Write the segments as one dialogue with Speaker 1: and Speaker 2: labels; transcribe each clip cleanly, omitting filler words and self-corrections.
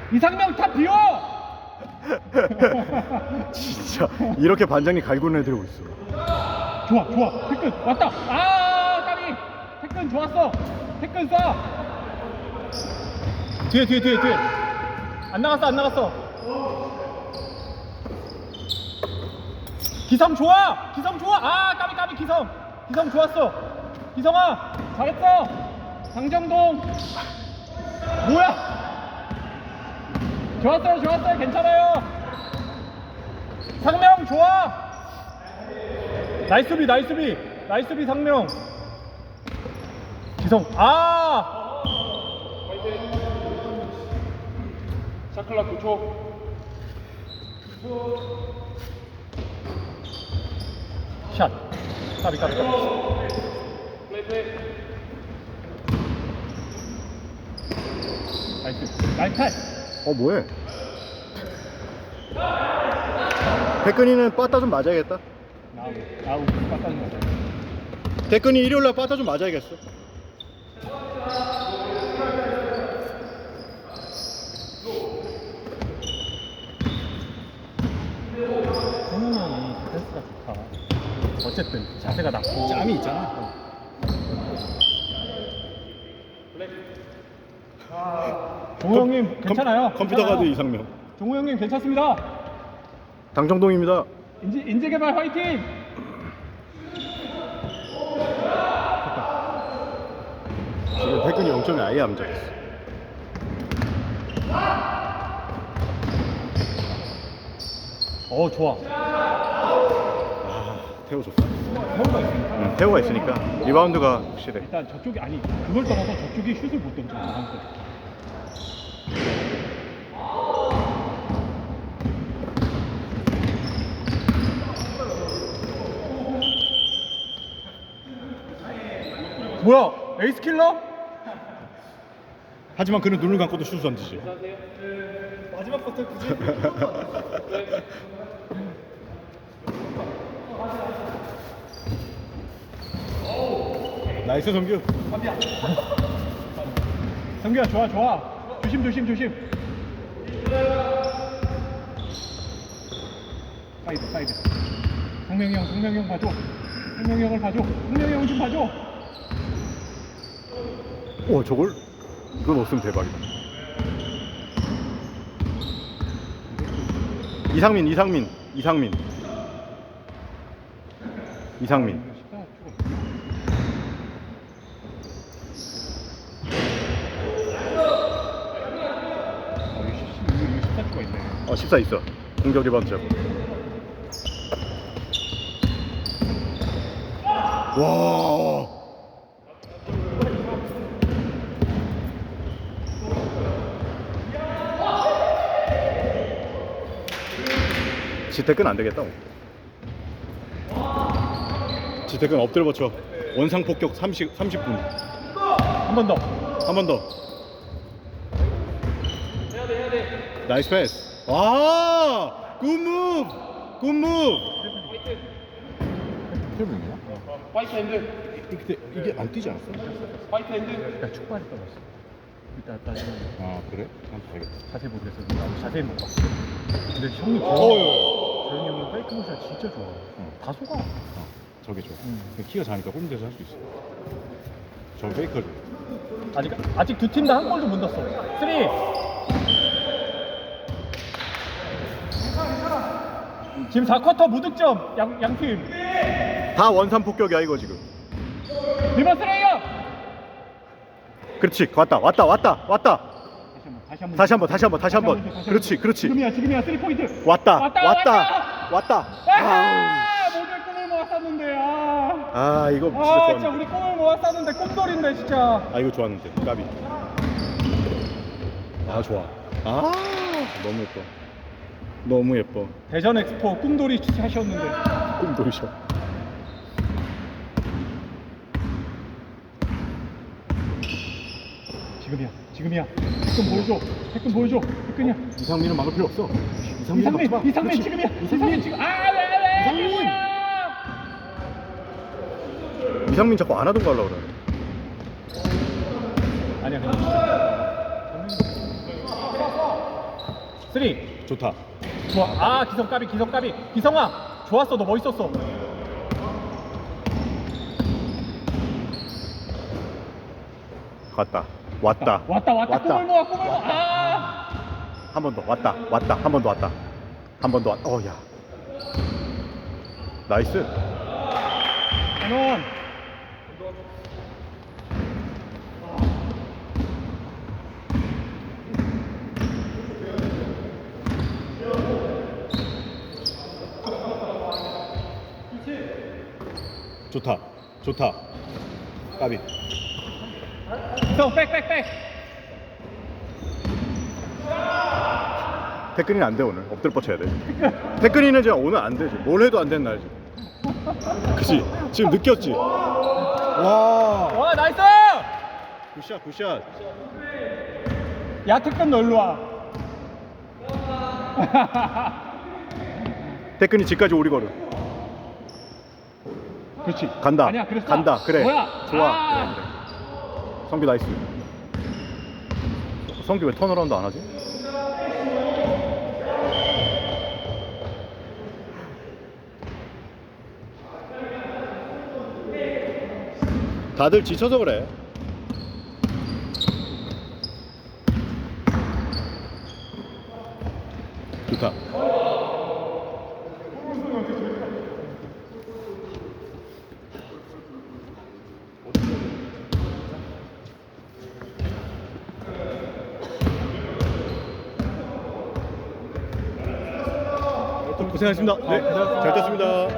Speaker 1: 이상명 다 비워!
Speaker 2: 진짜 이렇게 반장님 갈고 내드리고 있어.
Speaker 1: 좋아 태근 왔다. 아 까비. 태근 좋았어. 태근 쏴. 뒤에 안 나갔어. 기성 좋아. 아 까비 기성 좋았어. 기성아 잘했어. 강정동 뭐야. 좋았어요. 괜찮아요. 상명 좋아. 나이스 수비 상명. 기성 샤클라 9초. 샷. 까비. 플레이. 나이스.
Speaker 2: 뭐해? 태근이는 빠따 좀 맞아야겠다.
Speaker 1: 나우 빠따는 거죠.
Speaker 2: 태근이 일요일날 빠따 좀 맞아야겠어.
Speaker 1: 성훈이 형이 디펜스가 좋다. 어쨌든 자세가 낮고
Speaker 2: 짬이 있잖아.
Speaker 1: 종호 형님 괜찮아요.
Speaker 2: 컴퓨터 가드 이상명.
Speaker 1: 종호 형님 괜찮습니다.
Speaker 2: 당정동입니다.
Speaker 1: 인재개발 화이팅!
Speaker 2: 지금 태근이 0점이 아예 안 잡았어.
Speaker 1: 좋아.
Speaker 2: 태호 좋다.
Speaker 1: 태호가 있으니까.
Speaker 2: 태호가 있으니까 리바운드가 확실해.
Speaker 1: 일단 저쪽이 아니 그걸 떠나서 저쪽이 슛을 못 던져. 뭐야? 에이스 킬러?
Speaker 2: 하지만 그는 눈을 감고도 슛을 던지지.
Speaker 1: 마지막 버튼 굳이?
Speaker 2: 나이스 성규.
Speaker 1: 성규야 좋아. 조심. 사이드. 성명이 형 봐줘. 성명이 형을 봐줘. 성명이 형 좀 봐줘.
Speaker 2: 저걸? 이거 넣었으면 대박이다. 이상민.
Speaker 1: 이거 14초가 있네.
Speaker 2: 14 있어. 공격 리바운드 잡고. 와. 지태근 안 되겠다. 지태근 엎드려 버쳐. 원상 폭격 30분.
Speaker 1: 한 번 더.
Speaker 2: 한 번 더. 해야 돼. 나이스 패스. 와! 굿 무브.
Speaker 1: 트래블이냐?
Speaker 3: 화이트 핸드.
Speaker 2: 근데 이게 안 뛰지 않았어?
Speaker 3: 화이트 핸드.
Speaker 1: 일단 축발이 떨어졌어. 이따 따지면
Speaker 2: 아, 그래? 한번 봐야겠다.
Speaker 1: 자세히 모르겠어. 나도 자세히 못 봤어. 근데 형이 재현이 형은 페이크 모션 진짜 좋아. 다 속아.
Speaker 2: 저게 좋아. 키가 작으니까 홈대에서 할 수 있어. 저 페이커를.
Speaker 1: 아직 두 팀 다 한 골도 못 넣었어. 3. 지금 4쿼터 무득점 양팀.
Speaker 2: 다 원산 폭격이야 이거 지금.
Speaker 1: 리버스 레이업.
Speaker 2: 그렇지. 왔다. 다시 한번. 그렇지.
Speaker 1: 지금이야 3포인트.
Speaker 2: 왔다.
Speaker 1: 모두의 꿈을 모았었는데
Speaker 2: 이거 진짜
Speaker 1: 진짜
Speaker 2: 좋았는데.
Speaker 1: 우리 꿈을 모았었는데 꿈돌인데 진짜.
Speaker 2: 이거 좋았는데. 까비. 좋아. 너무 예뻐.
Speaker 1: 대전 엑스포 꿈돌이 하셨는데.
Speaker 2: 꿈돌이셔.
Speaker 1: 지금이야. 태권 보여줘. 태권이야.
Speaker 2: 이상민은 막을 필요 없어.
Speaker 1: 이상민 지금이야. 이상민 지금.
Speaker 2: 이상민! 이상민 자꾸 안 하던 거 하려고 그래.
Speaker 1: 아니야 그냥. 쓰리.
Speaker 2: 좋다.
Speaker 1: 좋아. 아, 기성 까비, 기성 까비. 기성아, 좋았어. 너 멋있었어.
Speaker 2: 갔다. 왔다.
Speaker 1: 왔다. 꿈을 모아. 아.
Speaker 2: 한 번 더. 왔다. 한 번 더 왔다. 한 번 더 왔다. 야. 나이스.
Speaker 1: 한원.
Speaker 2: 좋다. 까비.
Speaker 1: 기성, 백.
Speaker 2: 태근이는 안 돼 오늘. 엎드려 뻗쳐야 돼. 태근이는 지금 오늘 안 되지. 뭘 해도 안 되는 날이지. 그치? 지금 느꼈지? 와.
Speaker 1: 와, 나이스!
Speaker 2: 굿샷.
Speaker 1: 야, 태권 너 일로 와.
Speaker 2: 태근이 집까지 오리 걸음.
Speaker 1: 그렇지.
Speaker 2: 간다.
Speaker 1: 아니야, 그랬어.
Speaker 2: 간다. 그래.
Speaker 1: 뭐야?
Speaker 2: 좋아.
Speaker 1: 아.
Speaker 2: 그래. 성규 나이스. 성규 왜 턴어라운드 안 하지? 다들 지쳐서 그래. 좋다. 고생하셨습니다. 네, 잘 떴습니다.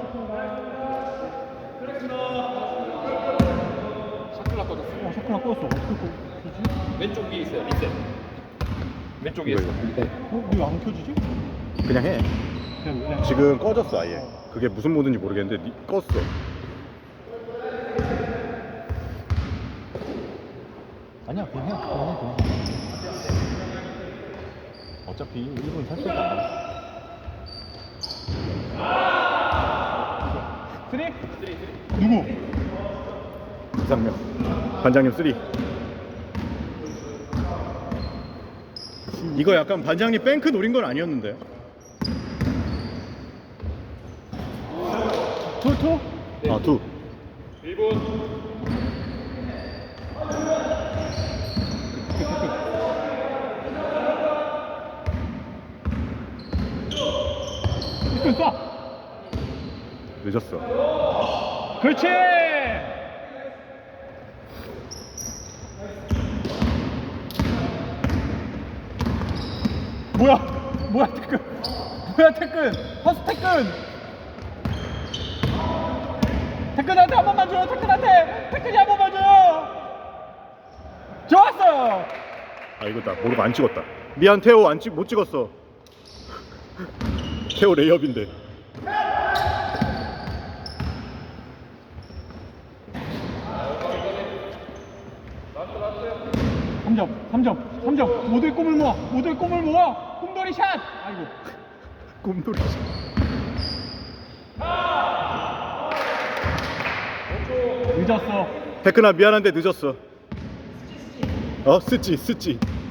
Speaker 3: 샤클라 꺼졌어.
Speaker 1: 샤크라 꺼졌어. 어떻게 꺼?
Speaker 3: 왼쪽 위에 있어요. 리셋. 왼쪽 위에 있어.
Speaker 1: 왜안 켜지지?
Speaker 2: 그냥 해.
Speaker 1: 그냥.
Speaker 2: 지금 꺼졌어 아예. 그게 무슨 모드인지 모르겠는데 껐어.
Speaker 1: 아니야, 그냥 해. 어차피 1분 살 수가 없어. 쓰리? 누구?
Speaker 2: 이상명 반장님 3. 이거 약간 반장님 뱅크 노린 건 아니었는데.
Speaker 1: 투?
Speaker 2: 아, 2.
Speaker 3: 1분.
Speaker 1: 쏴!
Speaker 2: 늦었어.
Speaker 1: 그렇지! 뭐야 태근 허스 태근한테 한 번만 줘. 태근이 한 번만 줘. 좋았어.
Speaker 2: 아, 이거 나 모르고 안 찍었다. 미안 태호 못 찍었어. 태호 레이업인데.
Speaker 1: 삼점 모두의 꿈을 모아 꿈돌이 샷. 아이고
Speaker 2: 꿈돌이.
Speaker 1: 늦었어.
Speaker 2: 태근아 미안한데 늦었어. 스찌.